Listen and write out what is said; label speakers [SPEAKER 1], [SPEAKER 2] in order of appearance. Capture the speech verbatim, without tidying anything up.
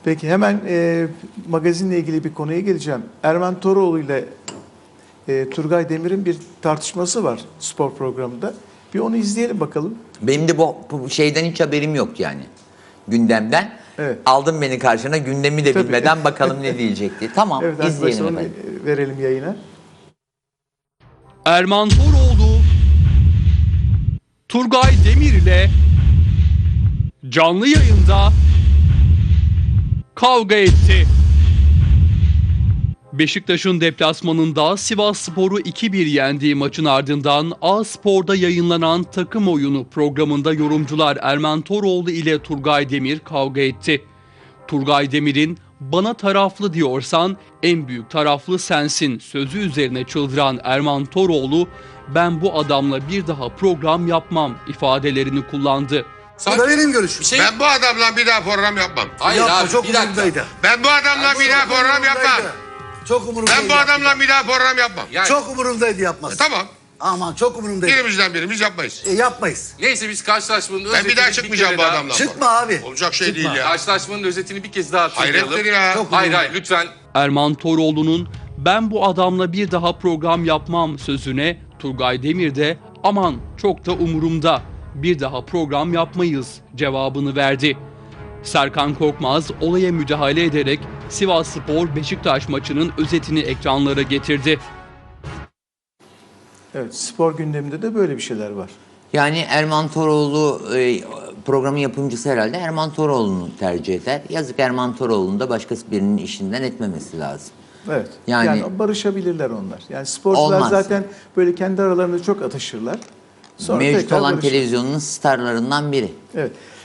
[SPEAKER 1] Peki hemen e, magazinle ilgili bir konuya geleceğim. Erman Toroğlu ile e, Turgay Demir'in bir tartışması var spor programında. Bir onu izleyelim bakalım.
[SPEAKER 2] Benim de bu, bu şeyden hiç haberim yok yani. Gündemden.
[SPEAKER 1] Evet.
[SPEAKER 2] Aldın beni karşına, gündemi de
[SPEAKER 1] Tabii.
[SPEAKER 2] bilmeden bakalım ne diyecekti. Tamam,
[SPEAKER 1] Evet,
[SPEAKER 2] izleyelim
[SPEAKER 1] onu
[SPEAKER 2] efendim.
[SPEAKER 1] verelim yayına.
[SPEAKER 3] Erman Toroğlu, Turgay Demir ile canlı yayında kavga etti. Beşiktaş'ın deplasmanında Sivasspor'u iki bir yendiği maçın ardından A-Spor'da yayınlanan takım oyunu programında yorumcular Erman Toroğlu ile Turgay Demir kavga etti. Turgay Demir'in "bana taraflı diyorsan en büyük taraflı sensin" sözü üzerine çıldıran Erman Toroğlu "ben bu adamla bir daha program yapmam" ifadelerini kullandı.
[SPEAKER 4] Bu da benim görüşüm.
[SPEAKER 5] Şey, ben bu adamla bir daha program yapmam.
[SPEAKER 4] Hayır
[SPEAKER 5] Yapma,
[SPEAKER 4] abi,
[SPEAKER 5] çok
[SPEAKER 4] bir dakika.
[SPEAKER 5] umurumdaydı. Ben bu adamla bir daha program yapmam.
[SPEAKER 4] Çok umurumdaydı.
[SPEAKER 5] Ben bu adamla bir daha program yapmam.
[SPEAKER 6] Yani,
[SPEAKER 4] Çok umurumdaydı yapmaz.
[SPEAKER 5] Tamam.
[SPEAKER 4] Aman çok umurumdaydı.
[SPEAKER 5] Birimizden birimiz yapmayız.
[SPEAKER 4] E, yapmayız.
[SPEAKER 6] neyse biz karşılaşmanın
[SPEAKER 5] Ben
[SPEAKER 6] özetini
[SPEAKER 5] bir daha çıkmayacağım bu
[SPEAKER 6] kere daha-
[SPEAKER 5] adamla.
[SPEAKER 4] Çıkma abi.
[SPEAKER 5] Olacak şey
[SPEAKER 4] Çıkma.
[SPEAKER 5] değil ya.
[SPEAKER 6] Karşılaşmanın özetini bir kez daha hatırlayalım.
[SPEAKER 5] Hayrettir ya.
[SPEAKER 4] Çok
[SPEAKER 6] Hayır hayır lütfen.
[SPEAKER 3] Erman Toroğlu'nun "ben bu adamla bir daha program yapmam" sözüne Turgay Demir de "aman çok da umurumda, bir daha program yapmayız" cevabını verdi. Serkan Korkmaz olaya müdahale ederek Sivasspor Beşiktaş maçının özetini ekranlara getirdi.
[SPEAKER 1] Evet, spor gündeminde de böyle bir şeyler var.
[SPEAKER 2] Yani Erman Toroğlu e, programın yapımcısı herhalde Erman Toroğlu'nu tercih eder. Yazık, Erman Toroğlu'nun da başkası birinin işinden etmemesi lazım.
[SPEAKER 1] Evet. Yani,
[SPEAKER 2] Yani-
[SPEAKER 1] barışabilirler onlar. Yani sporcular
[SPEAKER 2] Olmaz.
[SPEAKER 1] zaten böyle kendi aralarında çok atışırlar. Sonra
[SPEAKER 2] Mevcut
[SPEAKER 1] tekrar
[SPEAKER 2] olan
[SPEAKER 1] barışır.
[SPEAKER 2] televizyonun starlarından biri.
[SPEAKER 1] Evet.